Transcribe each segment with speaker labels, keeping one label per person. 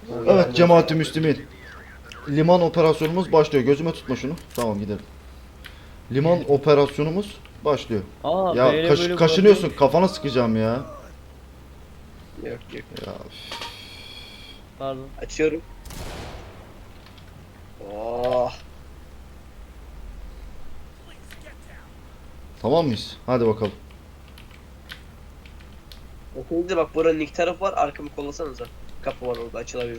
Speaker 1: Evet cemaati Müslümin. Liman operasyonumuz başlıyor. Gözüme tutma şunu. Tamam gidelim. Liman operasyonumuz başlıyor.
Speaker 2: Aa
Speaker 1: Ya
Speaker 2: böyle
Speaker 1: kaşınıyorsun.
Speaker 2: bırakıyormuş.
Speaker 1: Kafana sıkacağım ya.
Speaker 3: Yok yok.
Speaker 1: Ya
Speaker 2: Pardon.
Speaker 3: Açıyorum. Oh.
Speaker 1: tamam mıyız? Hadi bakalım.
Speaker 3: Şimdi bak buranın ilk tarafı var. Arkamı kollasanıza. Kapı var orada açılabilir.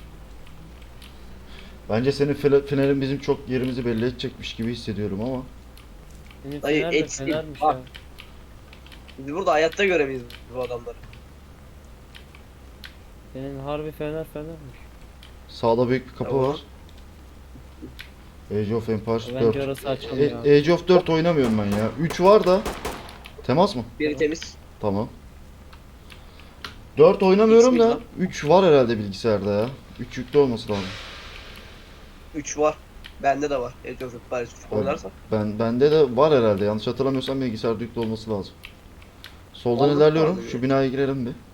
Speaker 1: Bence senin fenerin bizim çok yerimizi belli edecekmiş gibi hissediyorum ama.
Speaker 2: Senin
Speaker 3: Dayı,
Speaker 2: fener de
Speaker 3: etsin.
Speaker 2: fenermiş
Speaker 3: Bak.
Speaker 2: ya.
Speaker 3: Biz burada hayatta göremeyiz bu adamları.
Speaker 2: Senin harbi fenermiş.
Speaker 1: Sağda büyük bir kapı
Speaker 3: Tamam.
Speaker 1: var. Age of Empires
Speaker 2: Bence
Speaker 1: 4.
Speaker 2: orası açılmıyor abi.
Speaker 1: Age of 4 oynamıyorum ben ya. 3 var da. Temas mı?
Speaker 3: Biri
Speaker 2: Tamam.
Speaker 3: temiz.
Speaker 1: Tamam. 4 oynamıyorum
Speaker 3: X mi
Speaker 1: da
Speaker 3: lan?
Speaker 1: 3 var herhalde bilgisayarda ya. 3 yüklü olması lazım.
Speaker 3: 3 var. Bende de var. Age of Empires 3 oynarsan.
Speaker 1: Bende de var herhalde. Yanlış hatırlamıyorsam bilgisayarda yüklü olması lazım. Soldan
Speaker 3: Oldu,
Speaker 1: ilerliyorum.
Speaker 3: oldu.
Speaker 1: Şu binaya girelim bir.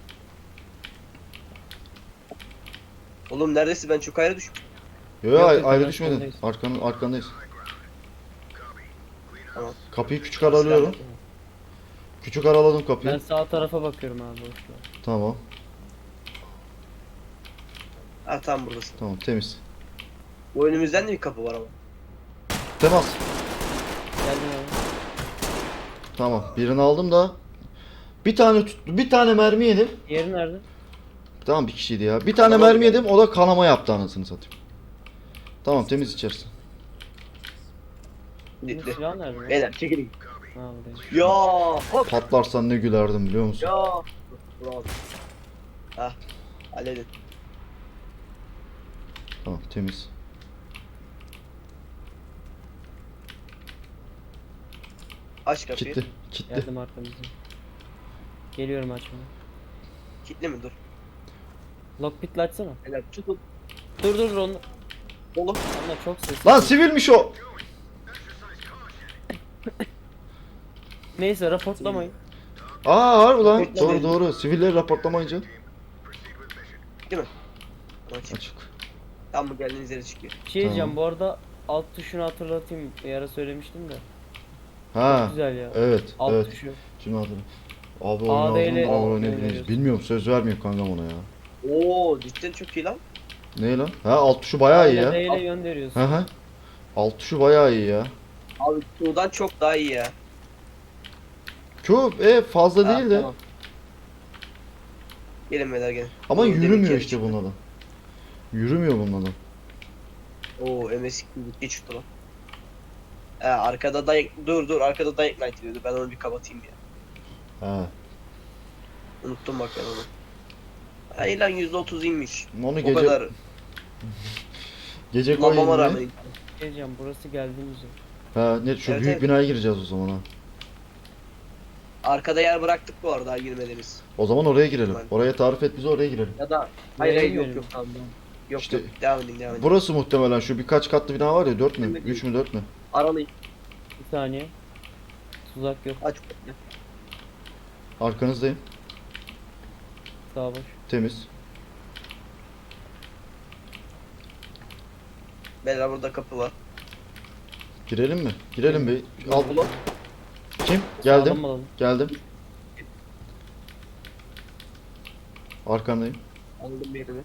Speaker 3: Oğlum neredesin, ben çok ayrı düştüm.
Speaker 1: Yo,
Speaker 2: Yok,
Speaker 1: ayrı
Speaker 2: arkandayız.
Speaker 1: düşmedin. Arkandayız.
Speaker 3: Tamam.
Speaker 1: Kapıyı küçük aralıyorum. Küçük araladım kapıyı.
Speaker 2: Ben sağ tarafa bakıyorum abi boşver.
Speaker 1: Tamam.
Speaker 3: Ha tam buradasın.
Speaker 1: Tamam temiz.
Speaker 3: Bu önümüzden de bir kapı var ama.
Speaker 1: Temas.
Speaker 2: Geldim abi.
Speaker 1: Tamam. Birini aldım da bir tane tuttu. Bir tane mermi yedim.
Speaker 2: Yeri nerede?
Speaker 1: Tamam bir kişiydi ya. Bir tane
Speaker 3: Kanama
Speaker 1: mermi
Speaker 3: mı
Speaker 1: yedim. O da kanama yaptı anasını satayım. Tamam temiz içerisi.
Speaker 2: Bunun
Speaker 3: Gitti.
Speaker 2: silah nerede? lan?
Speaker 3: Beyler çekilin.
Speaker 2: Ha buradayım.
Speaker 3: Ya hop.
Speaker 1: Patlarsan ne gülerdim biliyor musun?
Speaker 3: Ya. Bravo. Hah. Halledin.
Speaker 1: Tamam temiz.
Speaker 3: Aç kapıyı.
Speaker 1: Kitli. Kitli.
Speaker 2: Geldim arkamızdan. Geliyorum açmaya.
Speaker 3: Kitli mi? Dur.
Speaker 2: Lockpick'le açsana.
Speaker 3: Beyler tutun.
Speaker 2: Dur onu.
Speaker 3: Oğlum.
Speaker 2: Onlar çok sesli.
Speaker 1: Lan sivilmiş o.
Speaker 2: Neyse raportlamayın.
Speaker 1: Aa harbi lan.
Speaker 3: Raportlamayın.
Speaker 1: Doğru. Sivilleri raportlamayınca
Speaker 3: Değil mi? Aç.
Speaker 1: açık.
Speaker 3: Tam mı geldiğiniz yere çıkıyor.
Speaker 2: Bir şey diyeceğim
Speaker 1: Tamam.
Speaker 2: bu arada alt tuşunu hatırlatayım. Bir ara söylemiştim de.
Speaker 1: Ha.
Speaker 2: Çok güzel ya.
Speaker 1: Evet.
Speaker 2: Alt
Speaker 1: evet.
Speaker 2: tuşu.
Speaker 1: Şimdi hatırladım. Abi
Speaker 2: AD ile
Speaker 1: oynayalım da oynayabiliriz.
Speaker 2: oynayabiliyorsun.
Speaker 1: Bilmiyorum söz vermiyor kankam ona ya.
Speaker 3: Oo cidden çok iyi lan.
Speaker 1: Ne lan? Ha alt tuşu bayağı iyi ya.
Speaker 2: AD ile yön veriyorsun.
Speaker 1: Hı hı. Alt tuşu bayağı iyi ya.
Speaker 3: Abi Q'dan çok daha iyi ya.
Speaker 1: Q fazla
Speaker 3: Ha,
Speaker 1: değil de.
Speaker 3: tamam. Gelin beyler gelin.
Speaker 1: Ama
Speaker 3: Bunu demin
Speaker 1: yürümüyor
Speaker 3: kere
Speaker 1: işte
Speaker 3: çıktı.
Speaker 1: bunlardan. Yürümüyor bunlardan.
Speaker 3: Oo MS gitti çıktı lan. Arkada dayak dur arkada dayak night diyordu. Ben onu bir kapatayım ya.
Speaker 1: Ha.
Speaker 3: Unuttum bak ben onu. Hayır lan %30 inmiş.
Speaker 1: Onu
Speaker 3: O
Speaker 1: gece
Speaker 3: kadar
Speaker 1: gece
Speaker 3: kullanmama
Speaker 1: koyayım
Speaker 3: rağmen.
Speaker 1: diye.
Speaker 2: Bir şey diyeceğim burası geldiğimiz yer.
Speaker 1: Ha ne şu
Speaker 3: Evet,
Speaker 1: büyük
Speaker 3: evet.
Speaker 1: binaya gireceğiz o zaman ha.
Speaker 3: Arkada yer bıraktık bu arada daha girmediğimiz.
Speaker 1: O zaman oraya girelim.
Speaker 3: Tamam.
Speaker 1: Oraya tarif et bize oraya girelim.
Speaker 3: Ya da hayır
Speaker 2: Nereye
Speaker 3: hayır yok
Speaker 2: girelim?
Speaker 3: yok tamam. Yok
Speaker 1: İşte-
Speaker 3: yok devam edin devam edin.
Speaker 1: Burası muhtemelen şu birkaç katlı bina var ya 4 mü?
Speaker 3: Bilmiyorum.
Speaker 1: 3 mü 4 mü?
Speaker 3: Aralayın.
Speaker 2: Bir saniye. Tuzak yok.
Speaker 3: Aç kapıyı.
Speaker 1: Arkanızdayım.
Speaker 2: Sağ boş.
Speaker 1: Temiz.
Speaker 3: Beyler burada kapı var.
Speaker 1: Girelim mi? Girelim bir. Al.
Speaker 3: Ulan,
Speaker 1: Kim? Geldim.
Speaker 2: Sağlam alalım.
Speaker 1: Geldim. Arkandayım.
Speaker 3: aldım birini.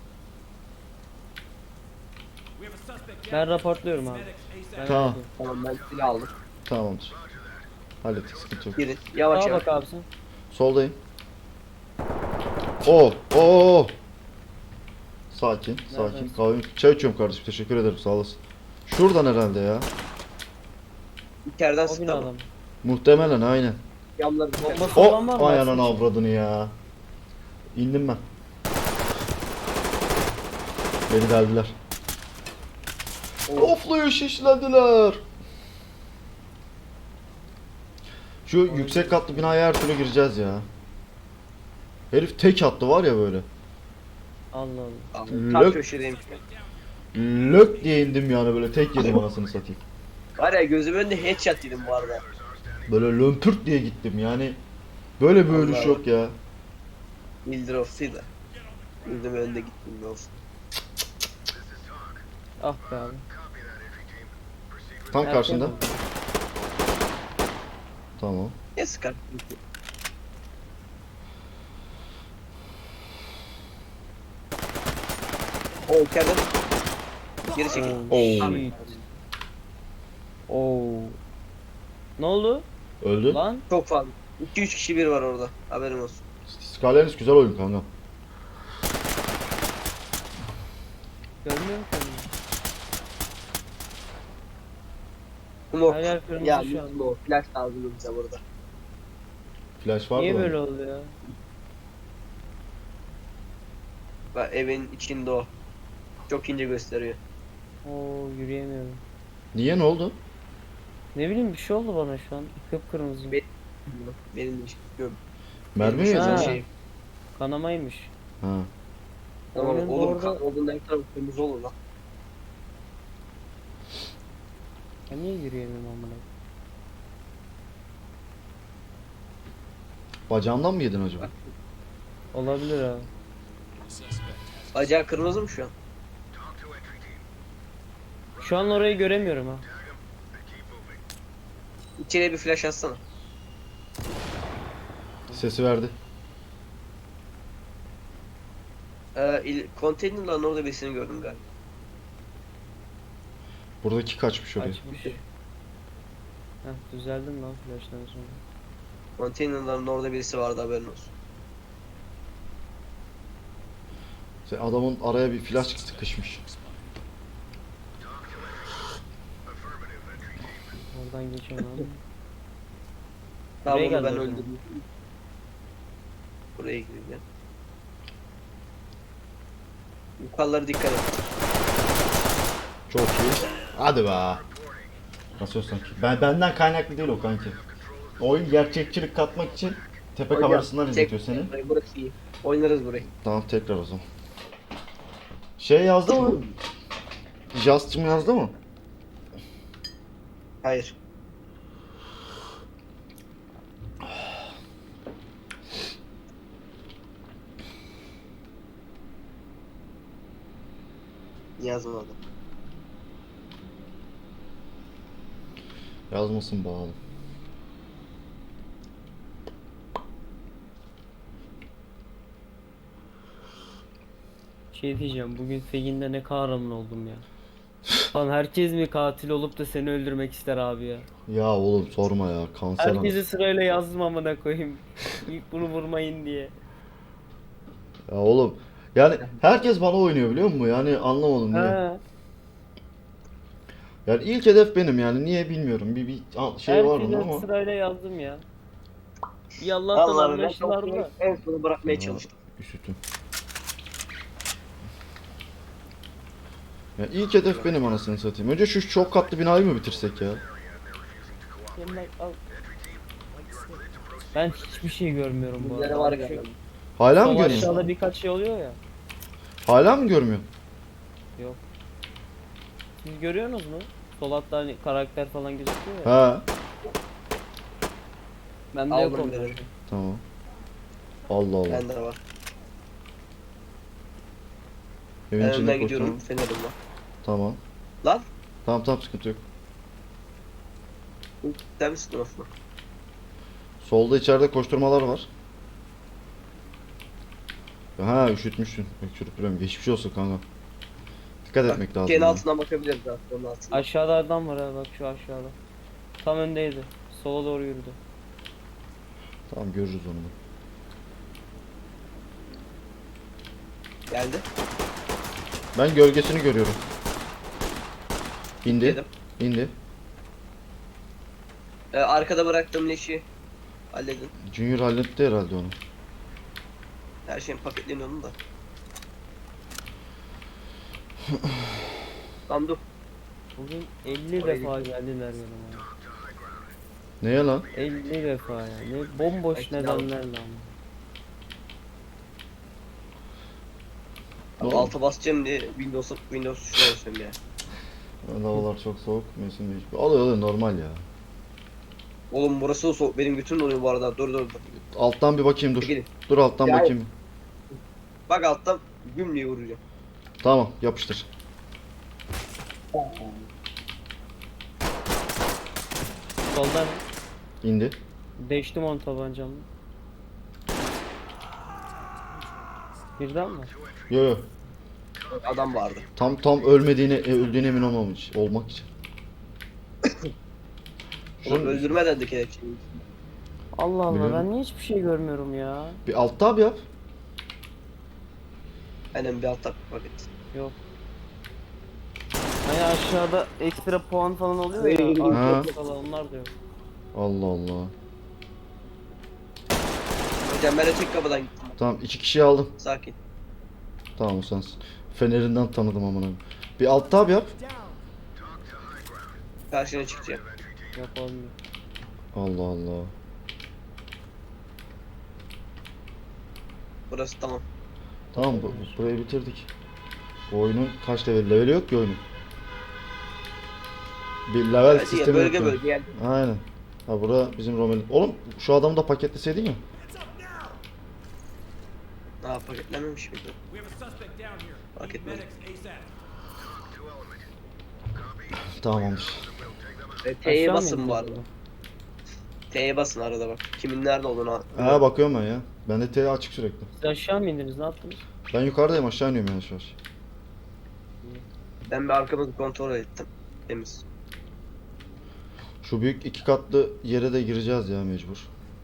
Speaker 2: Ben raportluyorum abi. Ben
Speaker 1: Tamam.
Speaker 2: halledeyim.
Speaker 3: Tamam ben silah aldım.
Speaker 1: Tamamdır. Hallettik sıkıntı yok.
Speaker 3: Girin. Yavaş
Speaker 2: Sağa
Speaker 3: yavaş.
Speaker 2: bak abi sen.
Speaker 1: Soldayım. Oo. Sakin, sakin.
Speaker 2: Neredesin?
Speaker 1: Kahve, çay içiyorum kardeşim. Teşekkür ederim. Sağ olasın. Şuradan herhalde ya.
Speaker 3: İçeriden
Speaker 2: O
Speaker 3: sıktı
Speaker 2: binadan
Speaker 3: ama.
Speaker 2: mı?
Speaker 1: Muhtemelen aynen.
Speaker 3: Camları
Speaker 2: Bombası olan var
Speaker 1: O
Speaker 2: mı?
Speaker 1: ay ananı
Speaker 2: Açmış.
Speaker 1: avradını ya. İndim ben. Beni deldiler. Ofluyor şişlediler. Şu yüksek katlı binaya her türlü gireceğiz ya. Herif tek attı var ya böyle.
Speaker 2: Allah Allah.
Speaker 3: Tam
Speaker 1: Lök.
Speaker 3: köşedeyim.
Speaker 1: Lök diye indim yani böyle tek yedim anasını satayım.
Speaker 3: Var ya gözümün önünde headshot yedim bu arada.
Speaker 1: Böyle lömpürt diye gittim yani. Böyle bir ölüş
Speaker 3: Allah
Speaker 1: yok ya.
Speaker 3: Bildir ofsuyla. Gözüm önünde gittim ne olsun.
Speaker 2: Ah be abi.
Speaker 1: Tam
Speaker 2: Erken
Speaker 1: karşında.
Speaker 2: oldu.
Speaker 1: Tamam.
Speaker 3: Ne sıkar? O içeride. Geri çekil.
Speaker 2: Oh,
Speaker 1: Oo.
Speaker 2: shit. Oo. Ne oldu?
Speaker 1: Öldü.
Speaker 2: Lan
Speaker 3: Çok fazla. 2-3 kişi bir var orada. Haberin olsun.
Speaker 1: Skylanders güzel oyun kanka.
Speaker 2: görmüyorum ki onu.
Speaker 3: Umut.
Speaker 2: Her yer kırmızı
Speaker 3: Ya
Speaker 2: şu an.
Speaker 3: bizim o flash lazım bize burada.
Speaker 1: Flash var
Speaker 2: Niye
Speaker 1: mı?
Speaker 2: böyle oldu ya?
Speaker 3: Bak evin içinde o. Çok ince gösteriyor.
Speaker 2: Oo, yürüyemiyorum.
Speaker 1: Niye, ne oldu?
Speaker 2: Ne bileyim, bir şey oldu bana şu an. Kıpkırmızı.
Speaker 3: Be- Benim de hiç yok.
Speaker 1: Mermi mi
Speaker 3: Benim
Speaker 1: yedin?
Speaker 3: şu an
Speaker 2: Ha.
Speaker 3: şey.
Speaker 2: Kanamaymış.
Speaker 1: Ha.
Speaker 3: Tamam
Speaker 2: Oyunun
Speaker 3: oğlum
Speaker 2: orada-
Speaker 3: kan olduğunda her taraf kırmızı olur lan.
Speaker 2: Ben niye yürüyemiyorum amına?
Speaker 1: Bacağımdan mı yedin acaba?
Speaker 2: Olabilir ha.
Speaker 3: Bacağı kırmızı mı şu an?
Speaker 2: Şu an orayı göremiyorum ha.
Speaker 3: İçeriye bir flash atsana.
Speaker 1: Sesi verdi.
Speaker 3: Konteynerların orada birisini gördüm galiba.
Speaker 1: Buradaki kaçmış oraya.
Speaker 2: Açmış. Heh, düzeldim lan flash'tan sonra.
Speaker 3: Konteynerların orada birisi vardı haberin olsun.
Speaker 1: Adamın araya bir flash sıkışmış.
Speaker 2: Oradan geçemem.
Speaker 3: Tamam
Speaker 2: Buraya
Speaker 3: onu
Speaker 2: geldi
Speaker 3: ben
Speaker 2: o zaman.
Speaker 3: öldürdüm. Buraya gireceğim. Yukarılara dikkat et.
Speaker 1: Çok iyi. Hadi be. Nasıl sanki? Benden kaynaklı değil o kanki. Oyun gerçekçilik katmak için tepe
Speaker 3: Hocam,
Speaker 1: kamerasından
Speaker 3: çek-
Speaker 1: izletiyor seni.
Speaker 3: Burayı, burası iyi. Oynarız burayı.
Speaker 1: Tamam, tekrar o zaman. Şey yazdı mı? Just'cım yazdı mı?
Speaker 3: Hayır. Yazmadı.
Speaker 1: Yazmasın bağlı.
Speaker 2: Şey diyeceğim, bugün Fegin'de ne kahraman oldum ya. Lan herkes mi katil olup da seni öldürmek ister abi ya?
Speaker 1: Ya oğlum sorma ya, kanser
Speaker 2: Herkesi sırayla yazdım amına koyayım. İlk bunu vurmayın diye.
Speaker 1: Ya oğlum, yani herkes bana oynuyor biliyor musun? Yani anlamadım niye.
Speaker 2: Ha,
Speaker 1: Yani ilk hedef benim, yani niye bilmiyorum. Bir şey var bunda
Speaker 2: herkese
Speaker 1: ama.
Speaker 2: sırayla yazdım ya. İyi Allah'tan
Speaker 3: Vallahi ben
Speaker 2: anlaştılar
Speaker 3: çok
Speaker 2: da.
Speaker 3: en sonu bırakmaya
Speaker 1: Ya,
Speaker 3: çalıştım.
Speaker 1: üşütüm. Ya ilk hedef benim, anasını satayım. Önce şu çok katlı binayı mı bitirsek ya?
Speaker 2: Ben hiçbir şey görmüyorum bu
Speaker 3: Bizlere
Speaker 2: arada.
Speaker 3: var
Speaker 2: Şu
Speaker 3: galiba.
Speaker 1: Hala mı
Speaker 2: sol
Speaker 1: görmüyorsun?
Speaker 2: aşağıda birkaç şey oluyor ya.
Speaker 1: Hala mı görmüyorsun?
Speaker 2: Yok. Siz görüyorsunuz mu? Sol altta hani karakter falan gözüküyor ya.
Speaker 1: Ha,
Speaker 2: Bende yok
Speaker 3: Aldım
Speaker 2: onlar.
Speaker 3: dedim.
Speaker 1: tamam. Allah Allah.
Speaker 3: Bende de var.
Speaker 1: Evin
Speaker 3: Ben
Speaker 1: içinde
Speaker 3: önden gidiyorum.
Speaker 1: koştum.
Speaker 3: Fenerim var.
Speaker 1: Tamam.
Speaker 3: Lan.
Speaker 1: Tamam tamam, sıkıntı yok.
Speaker 3: Sen misin Osman?
Speaker 1: Solda içeride koşturmalar var. Ha, üşütmüşsün. Öksürüp duruyorum. Geçmiş olsun kanka. Dikkat etmek lazım.
Speaker 3: Şeyin
Speaker 1: ya.
Speaker 3: altından bakabiliriz zaten onun altından.
Speaker 2: Aşağıda adam var ha, bak şu aşağıda. Tam öndeydi. Sola doğru yürüdü.
Speaker 1: Tamam, görürüz onu da.
Speaker 3: Geldi.
Speaker 1: Ben gölgesini görüyorum. İndi.
Speaker 3: Dedim.
Speaker 1: İndi.
Speaker 3: Arkada bıraktığım leşi halledin.
Speaker 1: Junior halletti herhalde onu.
Speaker 3: Her şeyin paketleniyor onun da. Tamam dur.
Speaker 2: Bugün 50
Speaker 3: Oraya
Speaker 2: defa geldiler yanıma.
Speaker 1: Neye lan?
Speaker 2: 50 defa ya. Ne bomboş
Speaker 3: Belki
Speaker 2: nedenlerle ama.
Speaker 3: Abi
Speaker 1: Doğru.
Speaker 3: alta basacağım diye Windows tuşuna basıyorum ya.
Speaker 1: Havalar çok soğuk. Mevsim değişiyor. Oluyor normal ya.
Speaker 3: Oğlum burası da soğuk. Benim götüm donuyor bu arada. Dur dur dur.
Speaker 1: Alttan bir bakayım, dur.
Speaker 3: Gelin.
Speaker 1: Dur alttan
Speaker 3: Ya-
Speaker 1: bakayım.
Speaker 3: Bak altta Güm diye vuracağım.
Speaker 1: Tamam yapıştır.
Speaker 2: Soldan
Speaker 1: İndi.
Speaker 2: değiştim on tabancamla. Birden mi?
Speaker 1: Yo yo.
Speaker 3: Adam vardı.
Speaker 1: Tam ölmediğine öldüğüne emin olmak için.
Speaker 3: Oğlum
Speaker 1: Şunu
Speaker 3: öldürme dedi kelepçeyi.
Speaker 2: Allah Allah
Speaker 1: Biliyorum.
Speaker 2: ben niye hiçbir şey görmüyorum ya.
Speaker 1: bir alt tab yap.
Speaker 3: Aynen bir altta paket.
Speaker 2: Yok. Hani aşağıda ekstra puan falan oluyor ya.
Speaker 1: Ha.
Speaker 2: Artı falan onlar da yok.
Speaker 1: Allah Allah.
Speaker 3: Hocam ben öteki kapıdan gittim.
Speaker 1: Tamam 2 kişiyi aldım.
Speaker 3: Sakin.
Speaker 1: Tamam o sensin. Fenerinden tanıdım amına. Bir alt tab yap.
Speaker 3: Karşına çıkacağım.
Speaker 2: Yok olmuyor.
Speaker 1: Allah Allah.
Speaker 3: Burası tamam.
Speaker 1: Tamam burayı bitirdik. Bu oyunun kaç level? Level yok ki oyunun. Bir level
Speaker 3: Evet, ya,
Speaker 1: sistemi
Speaker 3: bölge
Speaker 1: yok.
Speaker 3: bölge yani.
Speaker 1: Aynen. Ha bura bizim Romelu. Oğlum şu adamı da paketleseydin ya.
Speaker 3: Aa paketlenmemiş miydi?
Speaker 4: We have a suspect down here.
Speaker 3: Fark
Speaker 4: Need
Speaker 3: etmedim.
Speaker 4: medics ASAP.
Speaker 1: Tamamdır.
Speaker 3: T'ye
Speaker 2: Aşağı mı
Speaker 3: basın bu
Speaker 2: indiniz
Speaker 3: arada.
Speaker 2: burada?
Speaker 3: T'ye basın arada bak. Kimin nerede olduğunu
Speaker 1: Ha bakıyorum ben ya. Bende T açık sürekli.
Speaker 2: Siz aşağı mı indiniz ne yaptınız?
Speaker 1: Ben yukarıdayım aşağı iniyorum yavaş yavaş.
Speaker 3: Ben bir arkamızı kontrol ettim. Temiz.
Speaker 1: Şu büyük 2 katlı yere de gireceğiz ya mecbur.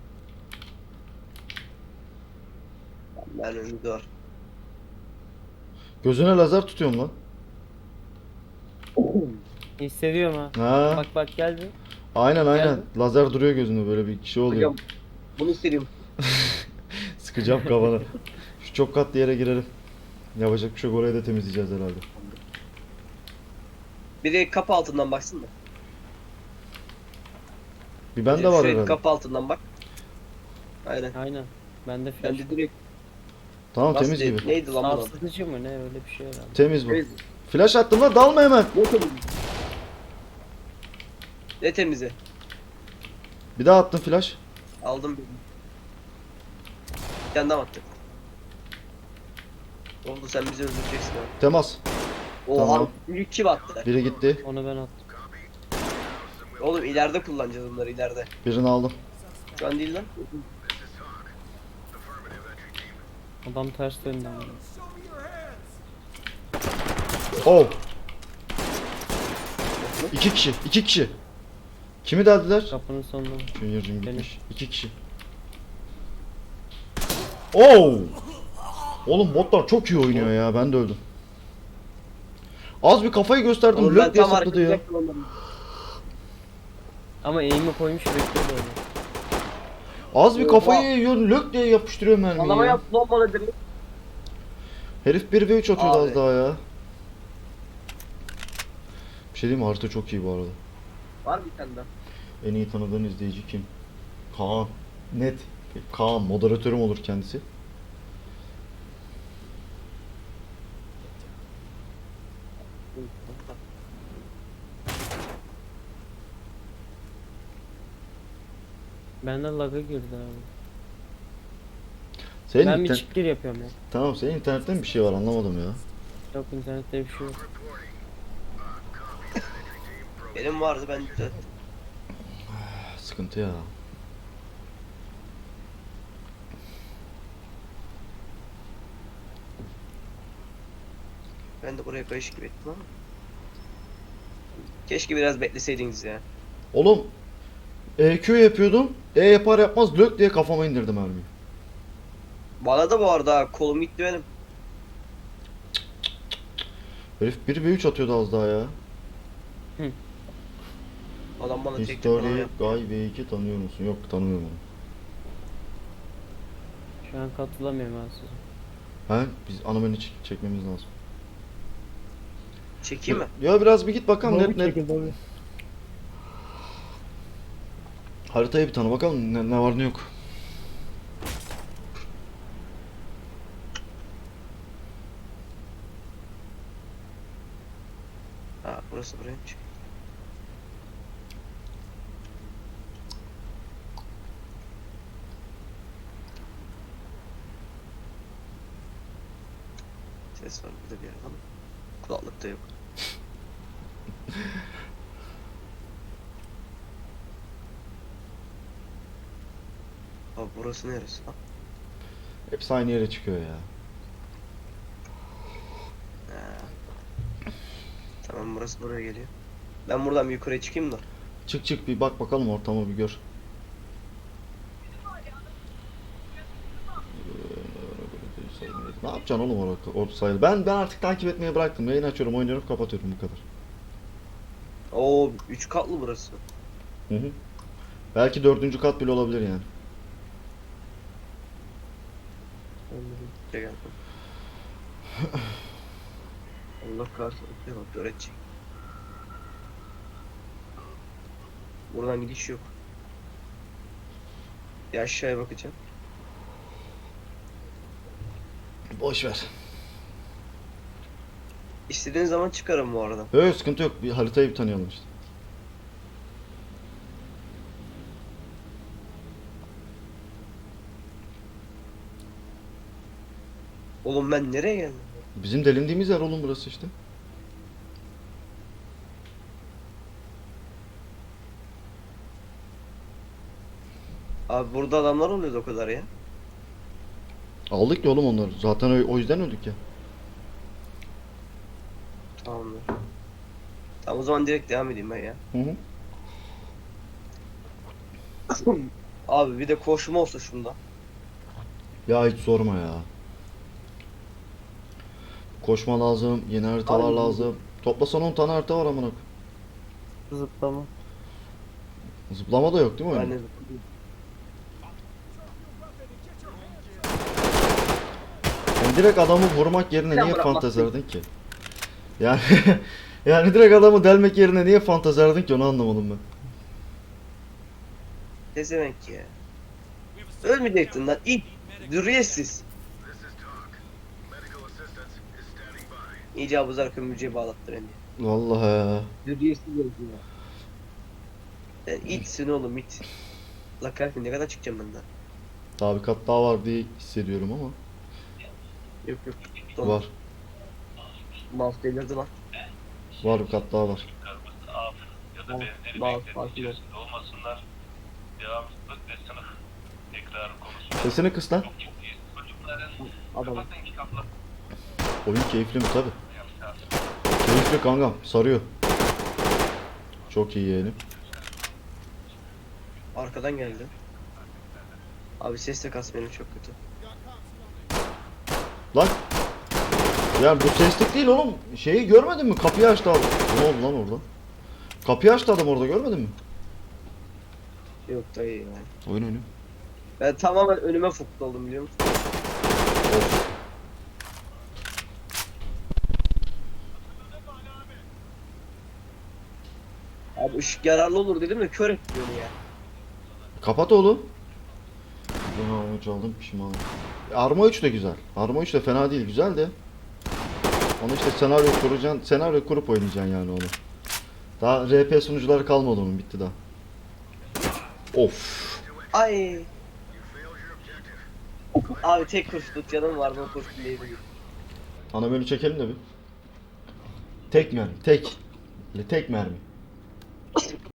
Speaker 3: Ben önümde var.
Speaker 1: Gözüne lazer tutuyorum lan.
Speaker 2: Hissediyorum ha.
Speaker 1: Ha.
Speaker 2: Bak bak geldi.
Speaker 1: Aynen aynen.
Speaker 2: Geldi.
Speaker 1: Lazer duruyor gözünde böyle bir şey oluyor.
Speaker 3: Hocam bunu istediğim.
Speaker 1: Sıkacağım kafana. Şu çok katlı yere girelim. Yapacak bir şey yok, orayı da temizleyeceğiz herhalde.
Speaker 3: Biri kapı altından baksın da.
Speaker 1: Bir bende var
Speaker 3: Şuraya
Speaker 1: herhalde.
Speaker 3: kapı altından bak. Aynen.
Speaker 2: Aynen. Bende
Speaker 3: Ben
Speaker 2: flash.
Speaker 3: de direkt
Speaker 1: Tamam
Speaker 3: nasıl
Speaker 1: temiz
Speaker 3: değil,
Speaker 1: gibi.
Speaker 3: neydi lan bu?
Speaker 2: Sarsıtıcı mı ne öyle bir şey herhalde.
Speaker 1: Temiz bu.
Speaker 3: Temiz.
Speaker 1: Flash attım lan, dalma hemen.
Speaker 3: Ne temizi?
Speaker 1: Bir daha attım flash.
Speaker 3: Aldım birini. Bir tane daha attık. Oldu sen bizi öldüreceksin abi.
Speaker 1: Temas.
Speaker 3: Oha
Speaker 1: Tamam.
Speaker 3: büyük kim attı?
Speaker 1: Biri gitti.
Speaker 2: Onu ben attım.
Speaker 3: Oğlum ileride kullanacağız bunları ileride.
Speaker 1: Birini aldım.
Speaker 3: Şu an değil lan.
Speaker 2: Adam ters döndü ama.
Speaker 1: Oh. 2 kişi. 2 kişi. Kimi deldiler?
Speaker 2: Kapının sonunda.
Speaker 1: Junior'cum
Speaker 2: Benim.
Speaker 1: gitmiş. 2 kişi. Oh. Oğlum botlar çok iyi oynuyor ya. Ben de öldüm. Az bir kafayı gösterdim.
Speaker 3: Oğlum ben
Speaker 1: Lök diye
Speaker 3: tam
Speaker 1: sapladı ya.
Speaker 3: arkadayacaktım onları.
Speaker 2: Ama eğimi koymuş bekliyor böyle.
Speaker 1: Az bir
Speaker 3: Oha.
Speaker 1: kafayı yiyor. Lök diye yapıştırıyor mermiyi
Speaker 3: Adama
Speaker 1: ya.
Speaker 3: yaptı lan bana direkt.
Speaker 1: Herif 1v3 atıyordu
Speaker 3: Abi.
Speaker 1: az daha ya. Bir şey diyeyim mi? Harita çok iyi bu arada.
Speaker 3: Var bir tane daha.
Speaker 1: En iyi tanıdığın izleyici kim? Kaan. Net. Kaan. Moderatörüm olur kendisi.
Speaker 2: Benden lag'a girdi abi.
Speaker 1: Senin
Speaker 2: Ben bir
Speaker 1: inter-
Speaker 2: çık gir yapıyorum ya.
Speaker 1: Tamam, senin internetten bir şey var, anlamadım ya.
Speaker 2: Yok internette bir şey yok.
Speaker 3: Benim vardı ben düzelttim.
Speaker 1: Sıkıntı ya.
Speaker 3: Ben de buraya kayış gibi ettim ama. Keşke biraz bekleseydiniz ya.
Speaker 1: Oğlum EQ yapıyordum. E yapar yapmaz lök diye kafama indirdim mermiyi.
Speaker 3: Bana da bu arada ha, kolum gitti benim.
Speaker 1: Herif 1v3 atıyordu az daha ya.
Speaker 3: Adam bana tek tek
Speaker 1: History
Speaker 3: bana yaptı.
Speaker 1: Guy V2 tanıyor musun? Yok, tanımıyorum onu.
Speaker 2: Şu an katılamıyorum ben size.
Speaker 1: He? Biz ana menü çekmemiz lazım.
Speaker 3: Çekeyim mi?
Speaker 1: Ya biraz bir git bakalım net. Haritaya bir tanı bakalım ne var ne yok.
Speaker 3: Ha burası buraymış. Ses var burada bir yerde ama kulaklıkta yok. Abi burası neresi lan?
Speaker 1: Hepsi aynı yere çıkıyor ya.
Speaker 3: Tamam burası buraya geliyor. Ben buradan bir yukarıya çıkayım da.
Speaker 1: Çık çık bir bak bakalım ortamı bir gör. Ne yapacaksın oğlum orada sayılı? Ben artık takip etmeyi bıraktım. Yayın açıyorum, oynuyorum, kapatıyorum bu kadar.
Speaker 3: Oo 3 katlı burası.
Speaker 1: Hı hı. Belki 4. kat bile olabilir yani.
Speaker 3: Şey geldim. Allah kahretsin. Bak öğretecek. Buradan gidiş yok. Bir aşağıya bakacağım.
Speaker 1: Boş ver.
Speaker 3: İstediğin zaman çıkarım bu arada.
Speaker 1: Yok sıkıntı yok. Bir haritayı bir tanıyalım işte.
Speaker 3: Oğlum ben nereye geldim?
Speaker 1: Bizim delindiğimiz yer oğlum burası işte.
Speaker 3: Abi burada adamlar oluyordu o kadar ya.
Speaker 1: Aldık ya oğlum onları. Zaten o yüzden öldük ya.
Speaker 3: Tamamdır. Tamam o zaman direkt devam edeyim ben ya.
Speaker 1: Hı hı.
Speaker 3: Abi bir de koşma olsa şunda.
Speaker 1: Ya hiç sorma ya. Koşma lazım, yeni haritalar
Speaker 3: Abi,
Speaker 1: lazım. Toplasan 10 tane harita var amına koyayım.
Speaker 2: Zıplama.
Speaker 1: Zıplama da yok değil mi
Speaker 3: Ben
Speaker 1: oyunda?
Speaker 3: de
Speaker 1: Yani direkt adamı vurmak yerine
Speaker 3: Sen
Speaker 1: niye
Speaker 3: bırakmazsın.
Speaker 1: fantezerdin ki? Yani yani direkt adamı delmek yerine niye fantezerdin ki onu anlamadım ben.
Speaker 3: ne demek ya? Ölmeyecektin lan it. Dürüyetsiz. İyice abuzar kömürcüye bağlattır beni.
Speaker 1: Vallahi ya.
Speaker 3: Dürüyetsiz öldü ya. Sen itsin oğlum it. La kahretsin ne kadar çıkacağım ben daha?
Speaker 1: Daha bir kat daha var diye hissediyorum ama.
Speaker 3: Yok yok.
Speaker 1: Var.
Speaker 3: Mouse delirdi lan.
Speaker 1: Var bir kat daha var.
Speaker 4: Af ya da
Speaker 3: Al,
Speaker 4: benzeri
Speaker 3: bal,
Speaker 4: beklenti
Speaker 3: bal,
Speaker 4: içerisinde olmasınlar. Devamsızlık ve sınıf tekrarı konusunda
Speaker 1: Sesini kıs lan.
Speaker 4: çok iyi. Çocukların
Speaker 3: Adam.
Speaker 4: kapatın kitapları
Speaker 1: Oyun keyifli mi tabi.
Speaker 4: yapacağız.
Speaker 1: Keyifli kankam sarıyor. Çok iyi yeğenim.
Speaker 3: Arkadan geldi. Abi ses de kas benim çok kötü.
Speaker 1: Lan. Ya bu seslik değil oğlum. Şeyi görmedin mi? Kapıyı açtı adam. Ne oldu lan orada? Kapıyı açtı adam orada görmedin mi?
Speaker 3: Yok dayı ya.
Speaker 1: Oyun oyunu.
Speaker 3: Ben tamamen önüme fokta oldum biliyor musun?
Speaker 1: Of.
Speaker 3: Abi ışık yararlı olur dedim de kör etti beni ya.
Speaker 1: Kapat oğlum. Ben arma 3 aldım pişmanım. Arma 3 de güzel. Arma 3 de fena değil güzel de. Onu işte senaryo kuracaksın. Senaryo kurup oynayacaksın yani onu. Daha RP sunucuları kalmadı onun bitti daha. Of.
Speaker 3: Ay. Abi tek kurşunluk canım vardı o kurşun neydi?
Speaker 1: Ana menü çekelim de bir. Tek mermi. Tek. Tek mermi.